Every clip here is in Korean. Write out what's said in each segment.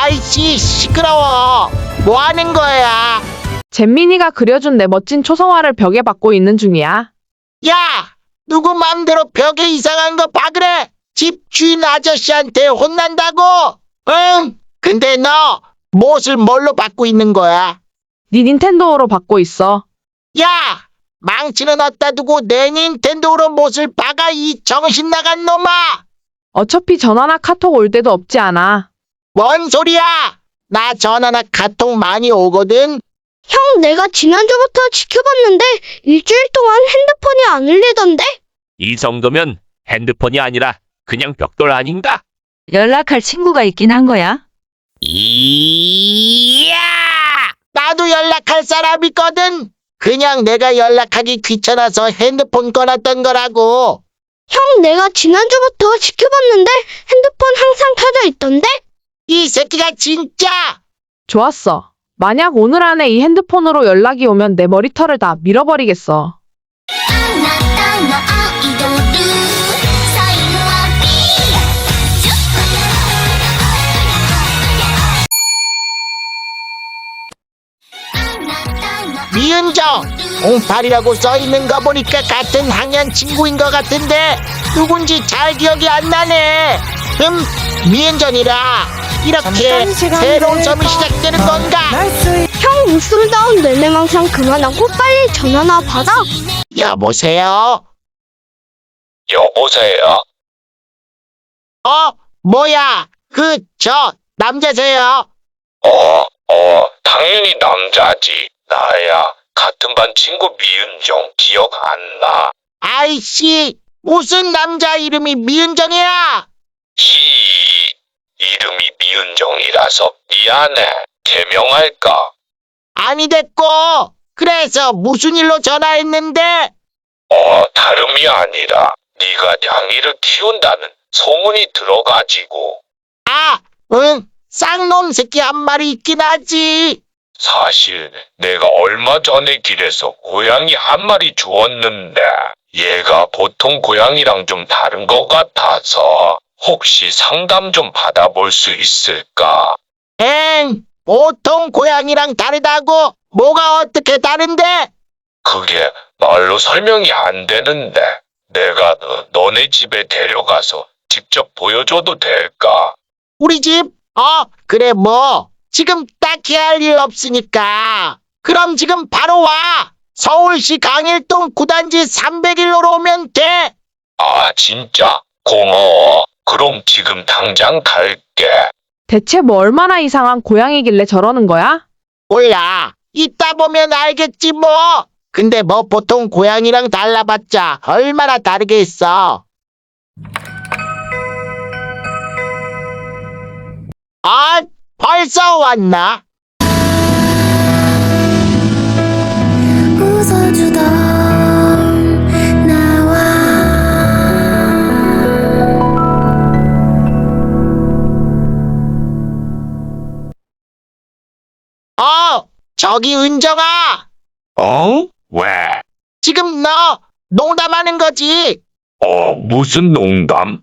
아이씨, 시끄러워. 뭐 하는 거야? 잼민이가 그려준 내 멋진 초성화를 벽에 박고 있는 중이야. 야, 누구 맘대로 벽에 이상한 거 박으래? 집 주인 아저씨한테 혼난다고? 응? 근데 너 못을 뭘로 받고 있는 거야? 네 닌텐도로 박고 있어. 야, 망치는 어디다 두고 내 닌텐도로 못을 박아, 이 정신 나간 놈아! 어차피 전화나 카톡 올 때도 없지 않아. 뭔 소리야? 나 전화나 카톡 많이 오거든. 형, 내가 지난주부터 지켜봤는데 일주일 동안 핸드폰이 안 울리던데? 이 정도면 핸드폰이 아니라 그냥 벽돌 아닌가? 연락할 친구가 있긴 한 거야? 이야! 나도 연락할 사람 있거든. 그냥 내가 연락하기 귀찮아서 핸드폰 꺼놨던 거라고. 형, 내가 지난주부터 지켜봤는데 핸드폰 항상 켜져 있던데? 이 새끼가 진짜! 좋았어. 만약 오늘 안에 이 핸드폰으로 연락이 오면 내 머리털을 다 밀어버리겠어. あなたのアイドルサインは B 미은정! 08이라고 써있는 거 보니까 같은 학년 친구인 것 같은데 누군지 잘 기억이 안 나네. 미은정이라 이렇게 새로운 점이 시작되는 건가? 형, 웃음다운 뇌내망상 그만하고 빨리 전화나 받아. 여보세요? 여보세요? 뭐야? 남자세요? 당연히 남자지. 나야. 같은 반 친구 미은정 기억 안 나. 아이씨, 무슨 남자 이름이 미은정이야? 이름이 미은정이라서 미안해. 개명할까? 아니 됐고, 그래서 무슨 일로 전화했는데? 다름이 아니라 네가 냥이를 키운다는 소문이 들어가지고. 응, 쌍놈 새끼 한 마리 있긴 하지. 사실 내가 얼마 전에 길에서 고양이 한 마리 주웠는데 얘가 보통 고양이랑 좀 다른 것 같아서 혹시 상담 좀 받아볼 수 있을까? 보통 고양이랑 다르다고? 뭐가 어떻게 다른데? 그게 말로 설명이 안 되는데 내가 너네 집에 데려가서 직접 보여줘도 될까? 우리 집? 그래 뭐. 지금 딱히 할 일 없으니까. 그럼 지금 바로 와. 서울시 강일동 구단지 301호로 오면 돼. 진짜? 고마워. 그럼 지금 당장 갈게. 대체 뭐 얼마나 이상한 고양이길래 저러는 거야? 몰라. 이따 보면 알겠지 뭐. 근데 뭐 보통 고양이랑 달라봤자 얼마나 다르겠어. 벌써 왔나? 웃어주던 나와 저기 은정아. 왜? 지금 너 농담하는 거지? 무슨 농담?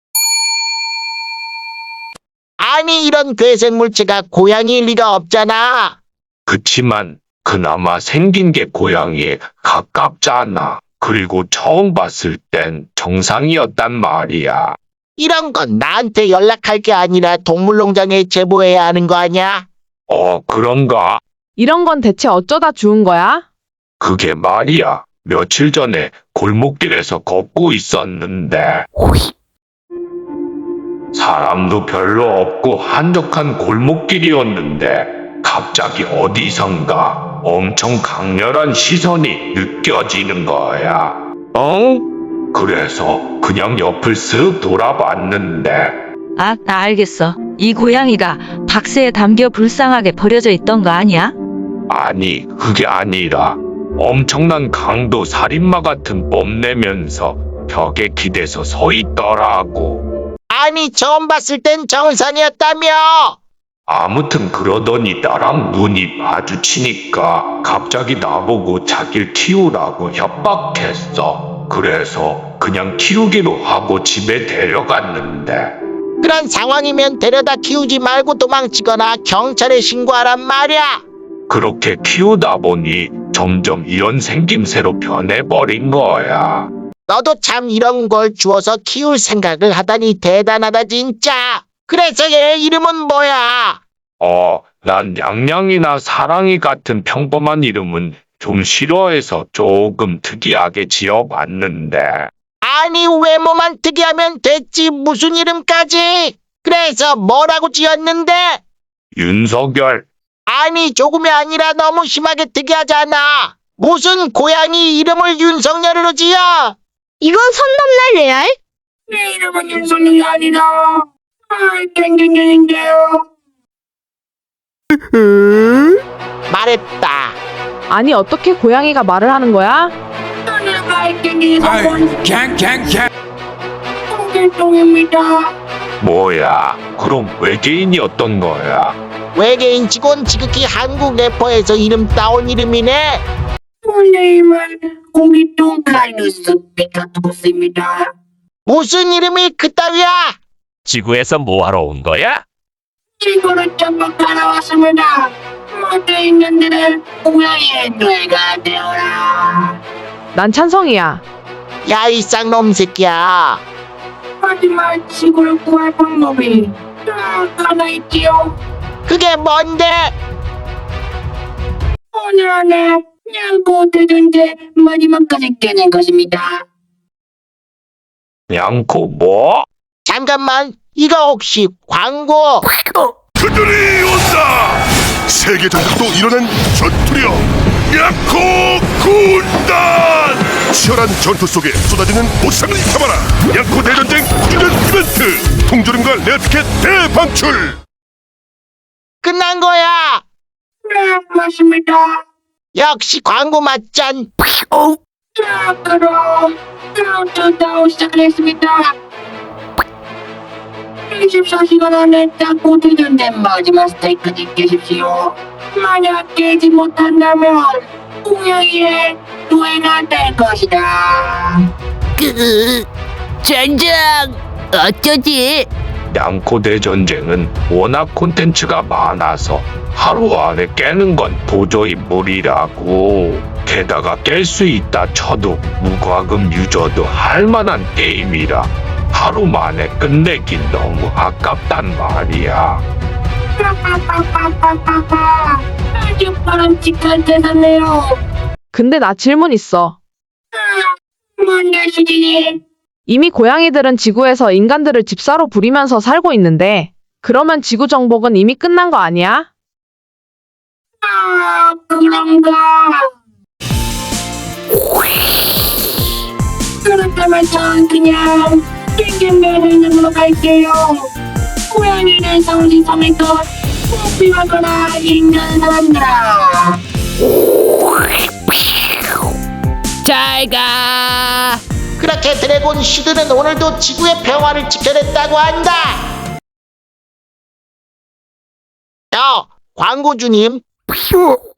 아니 이런 괴생 물체가 고양이일 리가 없잖아. 그치만 그나마 생긴 게 고양이에 가깝잖아. 그리고 처음 봤을 땐 정상이었단 말이야. 이런 건 나한테 연락할 게 아니라 동물농장에 제보해야 하는 거 아니야? 그런가? 이런 건 대체 어쩌다 주운 거야? 그게 말이야. 며칠 전에 골목길에서 걷고 있었는데 사람도 별로 없고 한적한 골목길이었는데 갑자기 어디선가 엄청 강렬한 시선이 느껴지는 거야. 그래서 그냥 옆을 쓱 돌아봤는데 나 알겠어. 이 고양이가 박스에 담겨 불쌍하게 버려져 있던 거 아니야? 아니 그게 아니라 엄청난 강도 살인마 같은 뽐내면서 벽에 기대서 서 있더라고. 아니 처음 봤을 땐 정상이었다며. 아무튼 그러더니 나랑 눈이 마주치니까 갑자기 나보고 자기를 키우라고 협박했어. 그래서 그냥 키우기로 하고 집에 데려갔는데 그런 상황이면 데려다 키우지 말고 도망치거나 경찰에 신고하란 말이야. 그렇게 키우다 보니 점점 이런 생김새로 변해버린 거야. 너도 참 이런 걸 주워서 키울 생각을 하다니 대단하다 진짜. 그래서 얘 이름은 뭐야? 난 냥냥이나 사랑이 같은 평범한 이름은 좀 싫어해서 조금 특이하게 지어봤는데. 아니 외모만 특이하면 됐지 무슨 이름까지? 그래서 뭐라고 지었는데? 윤석열. 아니 조금이 아니라 너무 심하게 특이하잖아. 무슨 고양이 이름을 윤석열으로 지어? 이건 선 넘네, 레알. 내 이름은 윤석열이 아니라 땡땡땡인데요. 말했다. 아니 어떻게 고양이가 말을 하는 거야? 내가 땡땡에서 본 똥길똥입니다. 뭐야? 그럼 외계인이었던 거야? 외계인 직원 지극히 한국 래퍼에서 이름 따온 이름이네. 내 고기똥 카이누스 피카투스입니다. 무슨 이름이 그따위야? 지구에서 뭐하러 온 거야? 지구를 전부 갈아왔습니다. 못돼 있는 데는 고양이의 뇌가 되어라. 난 찬성이야. 야 이 쌍놈 새끼야. 하지만 지구를 구할 방법이 딱 하나 있지요. 그게 뭔데? 오늘 안에 양고 대전제 마지막까지 깨는 것입니다. 양코 뭐? 잠깐만 이거 혹시 광고? 그들이 온다! 세계 전국도 일어난 전투력 양코 군단! 치열한 전투 속에 쏟아지는 보상을 담아라! 양코 대전쟁 6주년 이벤트! 통조림과 레어티켓 대방출! 끝난 거야. 네, 맞습니다. 역시 광고 맞짠. 자, 그럼 카운트다운 시작하겠습니다. 24시간 안에 닦고 대전된 마지막 스테이크지 깨십시오. 만약 깨지 못한다면 고양이의 노예가 될 것이다. 젠장! 어쩌지? 양코 대전쟁은 워낙 콘텐츠가 많아서 하루 안에 깨는 건 도저히 무리라고. 게다가 깰 수 있다 쳐도 무과금 유저도 할 만한 게임이라 하루 만에 끝내기 너무 아깝단 말이야. 아주 바람직한 대사네요. 근데 나 질문 있어. 뭔데 수진이? 이미 고양이들은 지구에서 인간들을 집사로 부리면서 살고 있는데 그러면 지구 정복은 이미 끝난 거 아니야? 아, 그런가? 그렇다면 전 그냥 땡땡맨으로 갈게요. 고양이는 성지섬에서 뽑히거나 있는 사람들아. 잘 가. 그렇게 드래곤 슈드는 오늘도 지구의 평화를 지켜냈다고 한다. 야 광고주님.